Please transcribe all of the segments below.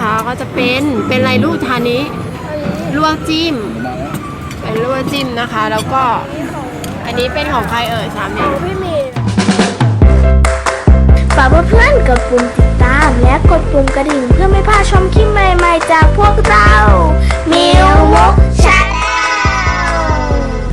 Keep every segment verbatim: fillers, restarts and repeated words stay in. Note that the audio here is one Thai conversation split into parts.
นะคะก็จะเป็นเป็นอะไรลูกทานนี้ลวกจิ้มเป็นลวกจิ้มนะคะแล้วก็อันนี้เป็นของใครเอ่ยสามเนี่ยพี่เมย์ฝากเพื่อนๆกดปุ่มติดตามและกดปุ่มกระดิ่งเพื่อไม่พลาดชมคลิปใหม่ๆจากพวกเรามิวมุกชาแนล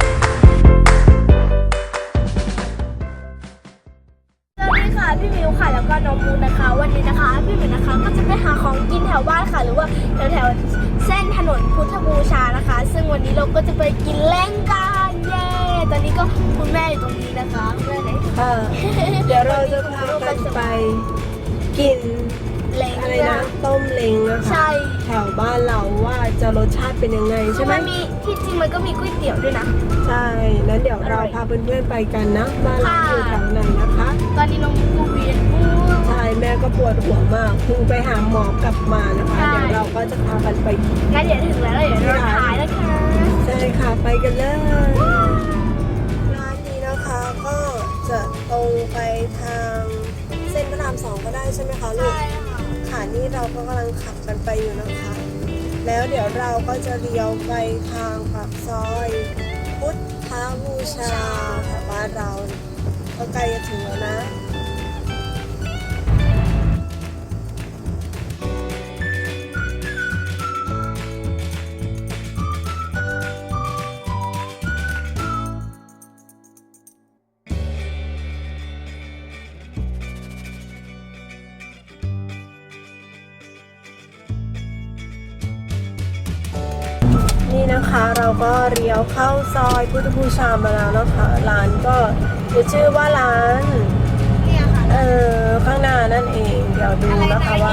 สวัสดีค่ะพี่มิวค่ะแล้วก็น้องมูนะคะวันนี้นะคะพี่มิวนะคะก็จะไปหาของกินแถวบ้านค่ะหรือว่าแถวแถวเส้นถนนพุทธบูชานะคะซึ่งวันนี้เราก็จะไปกินเล้งกันเย้ตอนนี้ก็คุณแม่อยู่ตรงนี้นะคะแม่ไหนเออเดี๋ยวเราจะพากันไปกินเล้งอะไรนะต้มเล้งนะคะใช่แถวบ้านเราว่าจะรสชาติเป็นยังไงใช่ไหมมันมีที่จริงมันก็มีก๋วยเตี๋ยวด้วยนะใช่นั้นเดี๋ยวเราพาเพื่อนๆไปกันนะบ้านเราอยู่แถวไหนนะคะตอนนี้น้องกูเวียนหัวใช่แม่ก็ปวดหัวมากเพิ่งไปหาหมอกลับมานะคะเดี๋ยวเราก็จะพากันไปงั้นเดี๋ยวถึงแล้วเดี๋ยวเราถ่ายแล้วค่ะใช่ค่ะไปกันเลยร้านนี้นะคะก็จะตรงไปทางเส้นพระรามสองก็ได้ใช่ไหมคะลูกใช่ค่ะค่ะนี่เราก็กำลังขับกันไปอยู่นะคะ แล้วเดี๋ยวเราก็จะเลี้ยวไปทางปากซอยพุทธบูชาแถวบ้านเราก็ใกล้จะถึงแล้วนะนี่นะคะเราก็เลี้ยวเข้าซอยพุทธบูชามาแล้วนะคะร้านก็จะชื่อว่าร้านเนี่ยค่ะเออข้างหน้านั่นเองเดี๋ยวดูนะคะว่า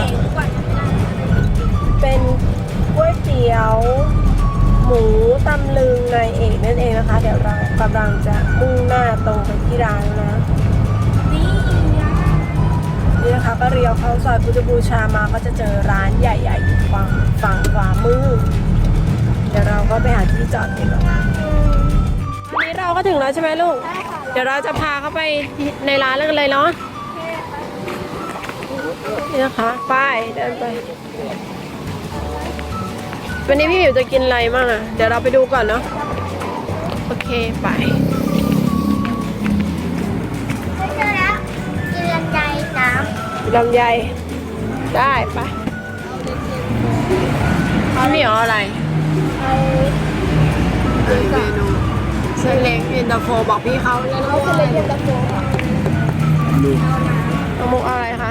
เป็นก๋วยเตี๋ยวหมูตำลึงนายเอกนั่นเองนะคะเดี๋ยวเรากำลังจะมุ่งหน้าตรงไปที่ร้านนะนี่นี่นะคะก็เลี้ยวเข้าซอยพุทธบูชามาก็จะเจอร้านใหญ่ๆอยู่ฝั่งฝั่งขวามือเดี๋ยวเราก็ไปหาที่จอดกันแล้ววันนี้เราก็ถึงแล้วใช่ไหมลูกเดี๋ยวเราจะพาเข้าไปในร้านกันเลยเนาะนี่นะคะไปเดินไปวันนี้พี่หมิวจะกินอะไรบ้างอ่ะเดี๋ยวเราไปดูก่อนเนาะโอเคไปเจอแล้วกินลำไยน้ลำไยได้ไปพี่หมิวเอาอะไรเอาเมนูเส้นเล็กเย็นตาโฟบอกพี่เขาแล้วเอาเส้นเล็กเย็นตาโฟค่ะเอามุกอะไรคะ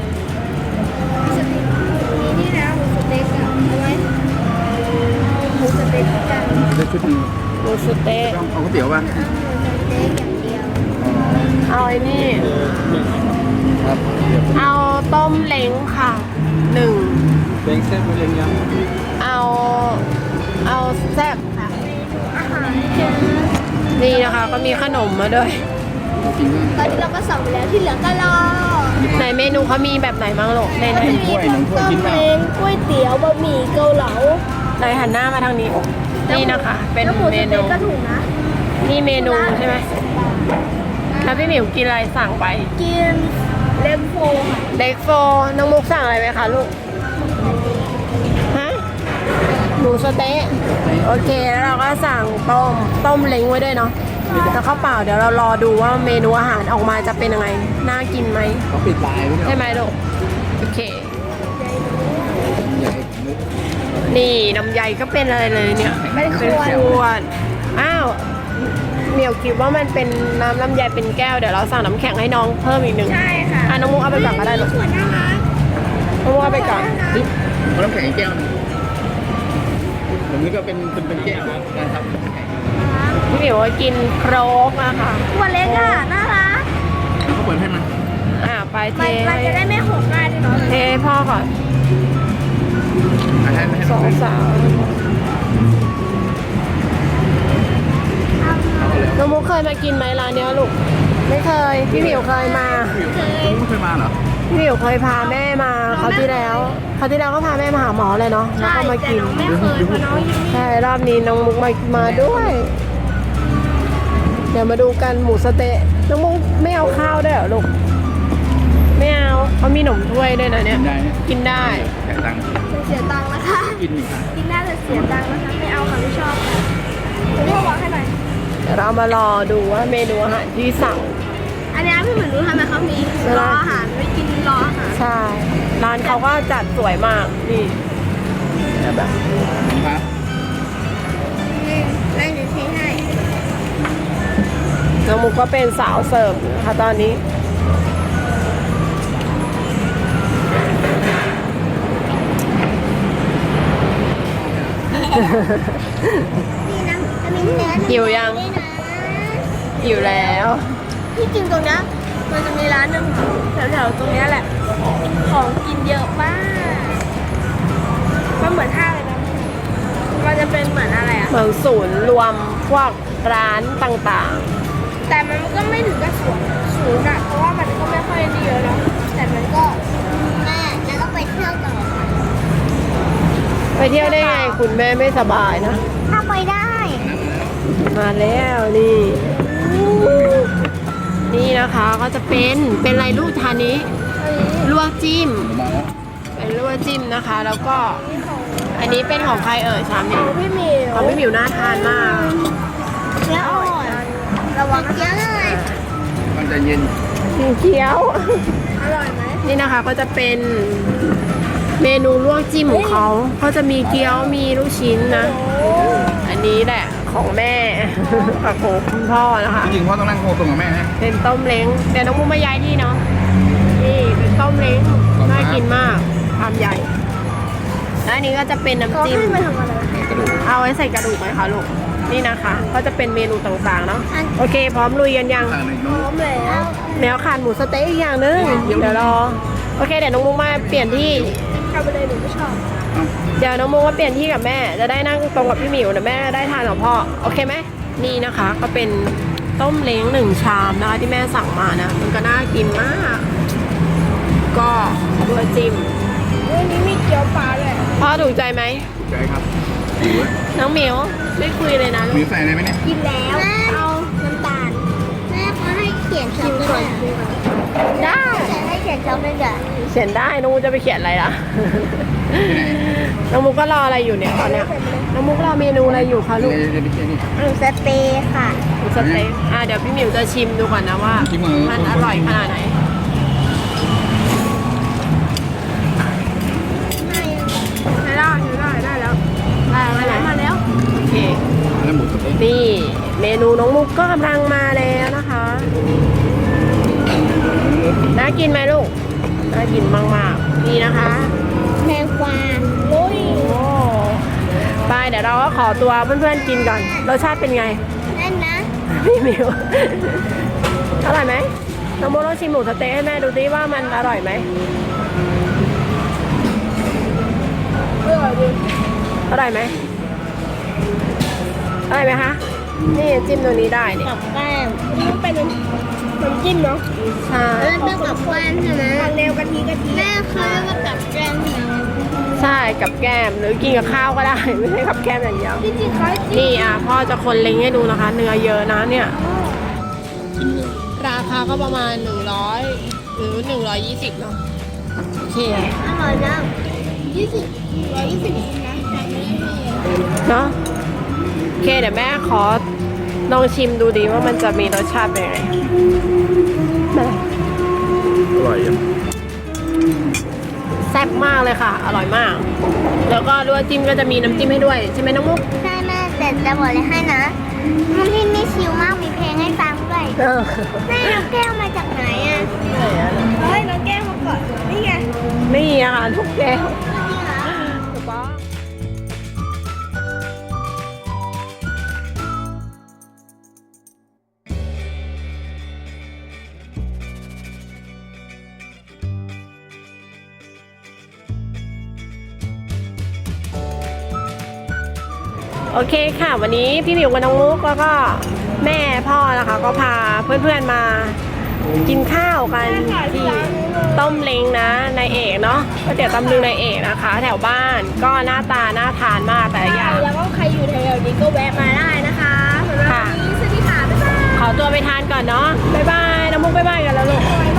มีนี่นะหมูสเต็กอะเอาไว้หมูสเต็กกันได้ชุดหนึ่งหมูสเต็กเอาก๋วยเตี๋ยวป่ะเอาหมูสเต็กอย่างเดียวเอาไอ้นี่ครับเอาต้มเล้งค่ะหนึ่งเล้งแซ่บเล้งยำเอาเอาแซ่บค่ะอาหารเจอนี่นะคะก็มีขนมมาด้วยตอนนี้เราก็สั่งไปแล้วที่เหลือก็รอในเมนูเขามีแบบไหนบ้างลูกในในมีทั้งต้มเล้งก๋วยเตี๋ยวบะหมี่เกาเหลาในหันหน้ามาทางนี้นี่นะคะเป็นเมนูก็ถูกนะนี่เมนูใช่ไหมแล้วพี่หมิวกินอะไรสั่งไปกินเล็กโฟเล็กโฟน้องมุกสั่งอะไรไหมคะลูกฮะหมูสเต๊ะโอเคแล้วเราก็สั่งต้มต้มเล้งไว้ด้วยเนาะแล้วข้าวเปล่าเดี๋ยวเรารอดูว่าเมนูอาหารออกมาจะเป็นยังไงน่ากินไหมเขาปิดลายใช่ไหมลูกโอเคนี่น้ำใยก็เป็นอะไรเลยเนี่ยเป็นขวดอ้าวเหมียวคิดว่ามันเป็นน้ำลำไยเป็นแก้วเดี๋ยวเราสั่งน้ำแข็งให้น้องเพิ่มอีกหนึ่งใช่ค่ะอ่ะน้องมุกเอาไปก่อนก็ได้ลูกน้องมุกเอาไปก่อนเอาน้ำแข็งแก้วนึงผมนี่ก็เป็นเป็นเป็นแก้วนะการทำน้ำแข็งพี่เหมียวกินโครกอะค่ะตัวเล็กอะน่ารักเขาเปิดให้มันอ่าไปเทมันจะได้ไม่หกง่ายด้วยเนาะเทให้พ่อก่อนสองสาวน้องมุกเคยมากินไหมร้านเนี้ยลูกไม่เคยพี่เหมียวเคยมาเคยไม่เคยมาเหรอพี่เหมียวเคยพาแม่มาเขาที่แล้วเขาที่แล้วก็พาแม่มาหาหมอเลยเนาะแล้วก็มากินไม่เคยเพราะน้องยังใช่รอบนี้น้องมุกมามาด้วยเดี๋ยวมาดูกันหมูสเต๊ะน้องมุกไม่เอาข้าวได้เหรอลูกไไม่เอาเขามีหนมถ้วยด้วยนะเนี่ยกินได้นะกินได้แต่ตังค์จะเสียตังค์นะคะกินอีกค่ะกินน่าจะเสียตังค์นะคะไม่เอาค่ะไม่ชอบค่ะเดี๋ยวพี่บอกให้หน่อยเดี๋ยวเรามารอดูว่าเมนูอาหารที่สั่งอันนี้พี่เหมือนรู้ทำไมเขามีรออาหารไม่กินรออาหารใช่ ร้านเขาก็จัดสวยมาก นี่แบบครับนี่ได้เดี๋ยวเทให้น้องมุกก็เป็นสาวเสิร์ฟนะคะตอนนี้นี่นะจะมีเนื้อหิวยังด้วยนะอยู่แล้วที่จริงตรงเนี้ยมันจะมีร้านหนึ่งแถวๆตรงเนี้ยแหละ ของกินเยอะมากมันเหมือนห้างเลยนะมันจะเป็นเหมือนอะไรอะเหมือนศูนย์รวมพวกร้านต่างแต่มันก็ไม่ถึงกับสูงสูงอะเพราะว่ามันก็ไม่ค่อยได้เยอะเนาะแต่มันก็แม่แล้วก็ไปเที่ยวต่อๆ ไปเที่ยวได้ไงคุณแม่ไม่สบายนะถ้าไปได้มาแล้วนี่ นี่นะคะก็จะเป็นเป็นอะไรลูกทานนี้ลวกจิ้มมาแล้วเป็นลวกจิ้มนะคะ แล้วก็อันนี้เป็นของใครเอ่ยชามนี้ของพี่หมิวของพี่หมิวน่าทานมากแล้วอ่อนระวังเยอะเลยมันจะเย็นกินเคี้ยวอร่อยไหมนี่นะคะก็จะเป็นเมนูลวกจิ้มของเขาก็จะมีเกี๊ยวมีลูกชิ้นนะโอ้อันนี้แหละของแม่ กับของคุณพ่อนะคะจริงๆพ่อต้องนั่งโคตรงกับแม่นะเป็นต้มเล้งเดี๋ยวน้องมุกมาย้ายที่เนาะนี่เป็นต้มเล้งน่ากินมากชามใหญ่แล้วอันนี้ก็จะเป็นเขาน้ำจิ้มให้มาทำอะไรกระดูกเอาไว้ใส่กระดูกไหมคะลูกนี่นะคะ ก็จะเป็นเมนูต่างๆเนาะโอเค พร้อมลุยกันยังทางหนึ่งพร้อมแล้วแนวขาดหมูสะเต๊ะอีกอย่างนึงเดี๋ยวรอโอเคเดี๋ยวน้องมุกมาเปลี่ยนที่ทำไปเลยหนูไม่ชอบเดี๋ยวน้องมุกมาเปลี่ยนที่กับแม่จะได้นั่งตรงกับพี่หมิวเดี๋ยวแม่ได้ทานกับพ่อโอเคไหมนี่นะคะ ก็เป็นต้มเล้งหนึ่งชามนะคะที่แม่สั่งมานะมันก็น่ากินมาก ก็ตัวจิ้มวันนี้มีเกี๊ยวปลาเลยพ่อถูกใจไหมใจครับหิวอะน้องหมิวไม่คุยเลยนะลูมีกใส่อะไรไหมเนี่ยกินแล้วเอาน้ำตาลแม่เขาให้เขียนช็อกโกแลตได้แต่ให้เขียนช็อกโกแลตเขียนได้น้องมุกจะไปเขียนอะไรล่ะที่ไหนน้องมุกก็รออะไรอยู่เนี่ยตอนเนี้ยน้องมุกรอเมนูอะไรอยู่คะลูกเดี๋ยวไปเที่ยวนี่หนูสเปย์ค่ะสเต็กอ่ะเดี๋ยวพี่หมิวจะชิมดูก่อนนะว่าชิมเหรอมันอร่อยขนาดไหนได้ได้ได้ได้แล้วได้แล้วมาแล้วโอเคแล้วหมูสะเต๊ะนี่เมนูน้องมุกก็กำลังมาแล้วนะคะ น่ากินไหมลูก น่ากินมากๆ นี่นะคะแมงกวาลุยโอ้ไปเดี๋ยวเราก็ขอตัวเพื่อนๆกินก่อน รสชาติเป็นไงนั่นนะพี่หมิว อร่อยไหมน้องมุกลองชิมหมูสะเต๊ะให้แม่ดูดิว่ามันอร่อยไหมอร่อยดีอร่อยไหมอร่อยไหมคะ นี่จิ้มตรงนี้ได้นี่กับแก้มมันเป็นน้ำจิ้มเนาะใช่แล้วเป็นกับแก้มใช่ไหมทางแนวกะทิกะทิแม่เคยมากับแก้มใช่ไหมใช่กับแก้มหรือกินกับข้าวก็ได้ ไม่ใช่กับแก้มอย่างเดียวจริงๆเขาจิ้มนี่อ่ะพ่อจะคนเล็งให้ดูนะคะ เนื้อเยอะนะเนี่ยกินเลยราคาก็ประมาณหนึ่งร้อยหรือหนึ่งร้อยยี่สิบเนาะโอเคอร่อยนะยี่สิบร้อยยี่สิบนะแต่ไม่มีเนาะโอเคเดี๋ยวแม่ขอลองชิมดูดีว่ามันจะมีรสชาติเป็นยังไงแม่อร่อยอ่ะแซ่บมากเลยค่ะ อร่อยมาก แล้วก็ลวกจิ้มก็จะมีน้ำจิ้มให้ด้วยใช่ไหมน้องมุกใช่แม่แต่จะบอกเลยให้นะมันที่นี่ชิลมากมีเพลงให้ฟังด้วยเออแม่น้องแก้วมาจากไหนอ่ะเฮ้ยน้องแก้วมาก่อนนี่ไงนี่อาหารทุกแก้วนี่เหรอถูกต้องโอเคค่ะ วันนี้พี่หมิวกับน้องมุกแล้วก็แม่พ่อนะคะก็พาเพื่อนๆมากินข้าวกันที่ต้มเล้งนะนายเอกเนาะก๋วยเตี๋ยวตำลึงนายเอกนะคะ แถวบ้านก็หน้าตาน่าทานมากแต่ละอย่างแล้วก็ใครอยู่แถวๆนี้ก็แวะมาได้นะคะสำหรับวันนี้สวัสดีค่ะบ๊ายบายขอตัวไปทานก่อนเนาะบ๊ายบายน้องมุกบ๊ายบายกันแล้วลูกบ๊าย